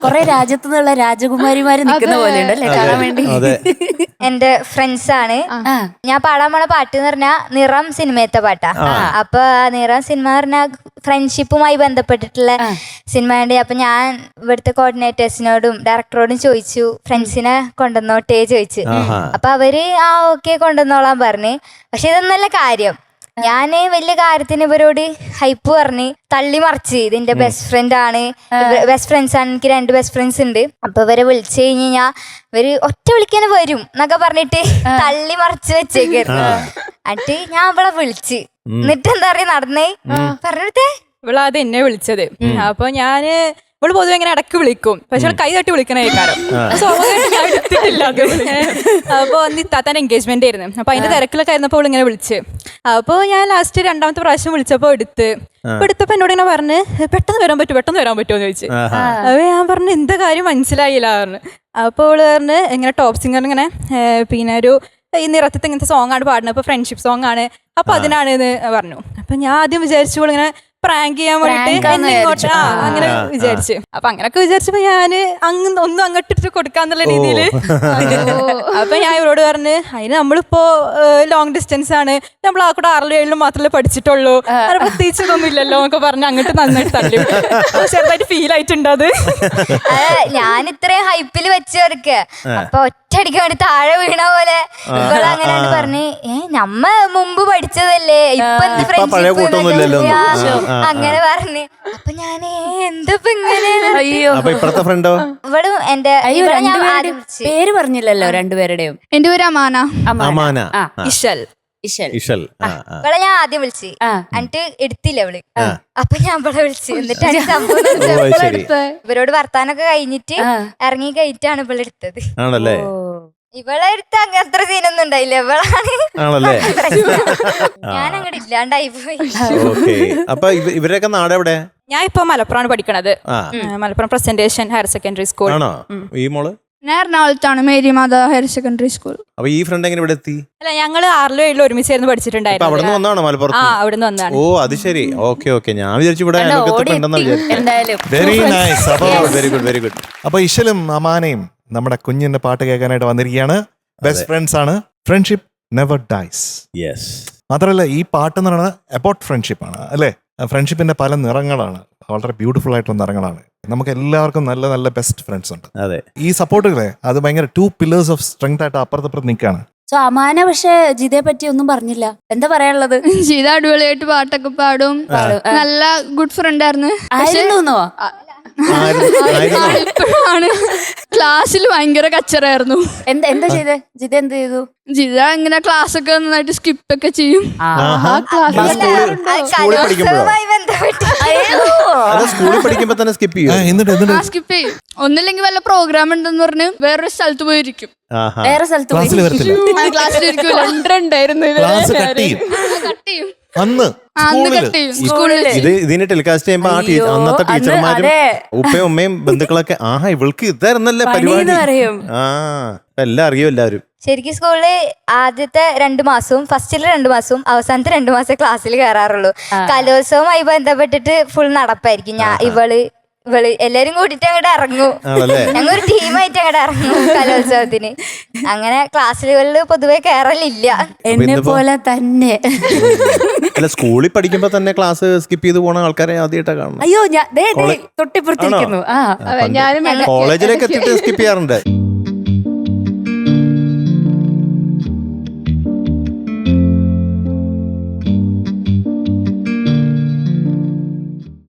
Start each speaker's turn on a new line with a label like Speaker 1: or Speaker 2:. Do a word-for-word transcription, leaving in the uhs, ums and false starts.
Speaker 1: കൊറേ രാജ്യത്തു നിന്നുള്ള രാജകുമാരിമാര് നിൽക്കുന്ന പോലെയുണ്ട് അല്ലെ കാണാൻ വേണ്ടി.
Speaker 2: എന്റെ ഫ്രണ്ട്സ് ആണ്. ഞാൻ പാടാൻ പോണ പാട്ട് എന്ന് പറഞ്ഞാൽ നിറം സിനിമയത്തെ പാട്ടാ. അപ്പൊ നിറം സിനിമ പറഞ്ഞാൽ ഫ്രണ്ട്ഷിപ്പുമായി ബന്ധപ്പെട്ടിട്ടുള്ള സിനിമയുണ്ട്. അപ്പൊ ഞാൻ ഇവിടുത്തെ കോർഡിനേറ്റേഴ്സിനോടും ഡയറക്ടറോടും ചോദിച്ചു ഫ്രണ്ട്സിനെ കൊണ്ടുവന്നോട്ടേ ചോദിച്ചു. അപ്പൊ അവര് ആ ഓക്കെ കൊണ്ടുവന്നോളാൻ പറഞ്ഞു. പക്ഷെ ഇതൊന്നല്ല കാര്യം. ഞാന് വലിയ കാര്യത്തിന് ഇവരോട് ഹൈപ്പ് പറഞ്ഞ് തള്ളി മറിച്ച് ഇതിന്റെ ബെസ്റ്റ് ഫ്രണ്ട് ആണ്, ബെസ്റ്റ് ഫ്രണ്ട്സ് ആണ്, എനിക്ക് രണ്ട് ബെസ്റ്റ് ഫ്രണ്ട്സ് ഉണ്ട്. അപ്പൊ ഇവരെ വിളിച്ചു കഴിഞ്ഞ് കഴിഞ്ഞാ ഇവര് ഒറ്റ വിളിക്കാൻ വരും എന്നൊക്കെ പറഞ്ഞിട്ട് തള്ളി മറിച്ച് വെച്ചേക്കായിരുന്നു. എന്നിട്ട് ഞാൻ അവളെ വിളിച്ച് എന്നിട്ട് എന്താ പറയാ നടന്നേ പറഞ്ഞിടത്തേ
Speaker 3: ഇവള് അത് എന്നെ വിളിച്ചത്. അപ്പൊ ഞാന് ഇവള് പൊതുവെ ഇങ്ങനെ ഇടയ്ക്ക് വിളിക്കും, പക്ഷെ കൈ തട്ടി വിളിക്കണ കേൾക്കാരോ. ഞാൻ എടുത്തിട്ടില്ല അത്. അപ്പൊ അന്ന് ഇത്താത്താൻ എൻഗേജ്മെന്റ് ആയിരുന്നു. അപ്പൊ അതിന്റെ തിരക്കിലൊക്കെ ആയിരുന്നപ്പോ അവൾ ഇങ്ങനെ വിളിച്ച്. അപ്പൊ ഞാൻ ലാസ്റ്റ് രണ്ടാമത്തെ പ്രാവശ്യം വിളിച്ചപ്പോ എടുത്ത് അപ്പൊ എടുത്തപ്പോ എന്നോട് ഇങ്ങനെ പറഞ്ഞ് പെട്ടെന്ന് വരാൻ പറ്റുമോ പെട്ടെന്ന് വരാൻ പറ്റുമോ എന്ന് ചോദിച്ചു. അപ്പൊ ഞാൻ പറഞ്ഞു എന്താ കാര്യം മനസ്സിലായില്ല പറഞ്ഞു. അപ്പൊ അവള് പറഞ്ഞ് ഇങ്ങനെ ടോപ്പ് സിംഗർ ഇങ്ങനെ പിന്നെ ഒരു ഈ നിറത്തത്തെ ഇങ്ങനത്തെ സോങ് ആണ് പാടുന്നത്, അപ്പൊ ഫ്രണ്ട്ഷിപ്പ് സോങ് ആണ്, അപ്പൊ അതിനാണ് എന്ന് പറഞ്ഞു. അപ്പൊ ഞാൻ ആദ്യം വിചാരിച്ചു ഇങ്ങനെ പ്രാങ്ക് ചെയ്യാൻ വേണ്ടിട്ട് എന്നെ ഇങ്ങോട്ട് ആ അങ്ങനെ വിചാരിച്ചു. അപ്പൊ അങ്ങനൊക്കെ വിചാരിച്ചപ്പോ ഞാന് അങ്ങ് ഒന്നും അങ്ങോട്ടിട്ട് കൊടുക്കാന്നുള്ള രീതിയില് അപ്പൊ ഞാൻ ഇവരോട് പറഞ്ഞ് അതിന് നമ്മളിപ്പോ ലോങ് ഡിസ്റ്റൻസ് ആണ്, നമ്മൾ ആ കൂടെ ആറിലും ഏഴിലും മാത്രമല്ലേ പഠിച്ചിട്ടുള്ളൂ, അത് പ്രത്യേകിച്ച് ഇതൊന്നും ഇല്ലല്ലോ എന്നൊക്കെ പറഞ്ഞ് അങ്ങോട്ട് നന്നായിട്ട് തള്ളി. ചെറുതായിട്ട് ഫീൽ ആയിട്ടുണ്ട് അത്.
Speaker 2: ഞാൻ ഇത്രയും ഹൈപ്പിൽ വെച്ച് കൊടുക്ക അപ്പൊ ഒറ്റയടിക്ക് വേണ്ടി താഴെ വീണ പോലെ ഇവള് അങ്ങനെ പറഞ്ഞ് ഏ നമ്മ മുമ്പ് പഠിച്ചതല്ലേ ഇപ്പൊ എന്ത് ഫ്രണ്ട്ഷിപ്പ് അങ്ങനെ പറഞ്ഞ്. അപ്പൊ ഞാൻ എന്തപ്പോ ഇങ്ങനെ ഇവളും എന്റെ
Speaker 1: പേര് പറഞ്ഞില്ലല്ലോ രണ്ടുപേരുടെയും.
Speaker 4: എന്റെ പേര് അമാന.
Speaker 5: അമാന.
Speaker 3: ഇഷൽ.
Speaker 5: ഇഷൽ.
Speaker 2: ഇവളെ ഞാൻ ആദ്യം വിളിച്ച് എന്നിട്ട് എടുത്തില്ല ഇവള്. അപ്പൊ ഞാൻ ഇവളെ വിളിച്ച് എന്നിട്ടാണ് സംഭവം. ഇവരോട് വർത്താനൊക്കെ കഴിഞ്ഞിട്ട് ഇറങ്ങി കഴിഞ്ഞിട്ടാണ് ഇവളെ എടുത്തത്.
Speaker 5: ആണല്ലേ?
Speaker 2: ഇവളെ എടുത്ത് അത്ര സീനൊന്നും ഉണ്ടായില്ല. ഇവളാണ് ഞാൻ അങ്ങോട്ട് ഇല്ലാണ്ടായി പോയി.
Speaker 5: അപ്പൊ ഇവരൊക്കെ നാട് എവിടെ?
Speaker 3: ഞാൻ ഇപ്പൊ മലപ്പുറമാണ് പഠിക്കണത്. Malappuram presentation higher secondary school.
Speaker 5: ആണോ? ഈ മോള്
Speaker 4: ഞാൻ എറണാകുളത്താണ് Mary Matha higher secondary school.
Speaker 5: അപ്പൊ ഈ ഫ്രണ്ട് എങ്ങനെ ഇവിടെ എത്തി?
Speaker 3: അല്ല ഞങ്ങള് ആറിലും ഏഴിലും ഒരുമിച്ചായിരുന്നു പഠിച്ചിട്ടുണ്ടായിരുന്നു.
Speaker 5: അവിടുന്ന് വന്നാണോ മലപ്പുറത്ത്?
Speaker 3: ആ അവിടുന്ന് വന്നതാണ്.
Speaker 5: ഓ അത് ശരി. Okay okay. ഞാൻ വിചാരിച്ചു ഇവിടെ വെരി നൈസ്. അപ്പൊ വെരി ഗുഡ് വെരി ഗുഡ്.
Speaker 6: അപ്പൊ ഇശലും അമാനയും നമ്മുടെ കുഞ്ഞിന്റെ പാട്ട് കേൾക്കാനായിട്ട് വന്നിരിക്കുകയാണ്. ബെസ്റ്റ് ഫ്രണ്ട്സ് ആണ്. Friendship never dies.
Speaker 5: യെസ്.
Speaker 6: മാത്രമല്ല ഈ പാട്ട് എന്ന് പറയുന്നത് അബൌട്ട് ഫ്രണ്ട്ഷിപ്പ് ആണ് അല്ലെ? ഫ്രണ്ട്ഷിപ്പിന്റെ പല നിറങ്ങളാണ്, വളരെ ബ്യൂട്ടിഫുൾ ആയിട്ടുള്ള നിറങ്ങളാണ്. നമുക്ക് എല്ലാവർക്കും നല്ല നല്ല ബെസ്റ്റ് ഫ്രണ്ട്സ് ഉണ്ട്.
Speaker 5: അതെ.
Speaker 6: ഈ സപ്പോർട്ടുകളെ അത് ഭയങ്കര ടു പില്ലേഴ്സ് ഓഫ് സ്ട്രെങ്ത് ആയിട്ട് അപ്പുറത്തപ്പുറത്ത് നിൽക്കുകയാണ്.
Speaker 1: സോ അമാന പക്ഷെ ജിതയെ പറ്റി ഒന്നും പറഞ്ഞില്ല. എന്താ പറയാനുള്ളത്?
Speaker 4: ജിത അടിപൊളിയായിട്ട് പാട്ടൊക്കെ പാടും, നല്ല ഗുഡ് ഫ്രണ്ട് ആയിരുന്നു.
Speaker 1: ആയിരുന്നോ?
Speaker 4: ഇപ്പോഴാണ് ക്ലാസ്സിൽ ഭയങ്കര കച്ചറായിരുന്നു.
Speaker 1: എന്താ എന്താ ചെയ്തേ? ജിത എന്ത് ചെയ്തു?
Speaker 4: ജിത ഇങ്ങനെ ക്ലാസ് ഒക്കെ നന്നായിട്ട് സ്കിപ്പ് ഒക്കെ ചെയ്യും.
Speaker 5: സ്കൂളിൽ പഠിക്കുമ്പോ തന്നെ സ്കിപ്പ് ചെയ്യും.
Speaker 4: സ്കിപ്പ് ചെയ്യും. ഒന്നില്ലെങ്കിൽ വല്ല പ്രോഗ്രാം ഉണ്ടെന്ന് പറഞ്ഞ് വേറൊരു സ്ഥലത്ത് പോയിരിക്കും.
Speaker 1: വേറെ സ്ഥലത്ത്
Speaker 4: ക്ലാസ്സിലിരിക്കും.
Speaker 6: അന്ന്
Speaker 5: ഇതിനെ ടെലികാസ്റ്റ് ചെയ്യുമ്പോ ആ അന്നത്തെ ടീച്ചർമാരും ഉപ്പയും ഉമ്മയും ബന്ധുക്കളൊക്കെ ആഹാ ഇവൾക്ക് ഇതായിരുന്നല്ലേ പരിപാടി. ആ എല്ലാം അറിയും എല്ലാവരും.
Speaker 2: ശരിക്കും സ്കൂളില് ആദ്യത്തെ രണ്ടു മാസവും ഫസ്റ്റിലെ രണ്ടു മാസവും അവസാനത്തെ രണ്ടു മാസം ക്ലാസ്സിൽ കയറാറുള്ളൂ. കലോത്സവമായി ബന്ധപ്പെട്ടിട്ട് ഫുൾ നടപ്പായിരിക്കും. ഞാൻ ഇവള് ഇവള് എല്ലാരും കൂട്ടിട്ട് അങ്ങോട്ട് ഇറങ്ങും. ഞങ്ങളൊരു ടീമായിട്ട് അങ്ങോട്ട് ഇറങ്ങും കലോത്സവത്തിന്. അങ്ങനെ ക്ലാസ്സുകളിൽ പൊതുവെ കയറലില്ല.
Speaker 1: എന്നെ പോലെ തന്നെ.
Speaker 5: അല്ല സ്കൂളിൽ പഠിക്കുമ്പോ തന്നെ ക്ലാസ് സ്കിപ്പ് ചെയ്ത് പോണ ആൾക്കാരെ ആദ്യമായിട്ടാ കാണുന്നത്.
Speaker 1: അയ്യോ ഞാൻ തൊട്ടിപ്പുറത്തിരിക്കുന്നു.
Speaker 5: കോളേജിലേക്ക് എത്തിയിട്ട് സ്കിപ്പ് ചെയ്യാറുണ്ട്.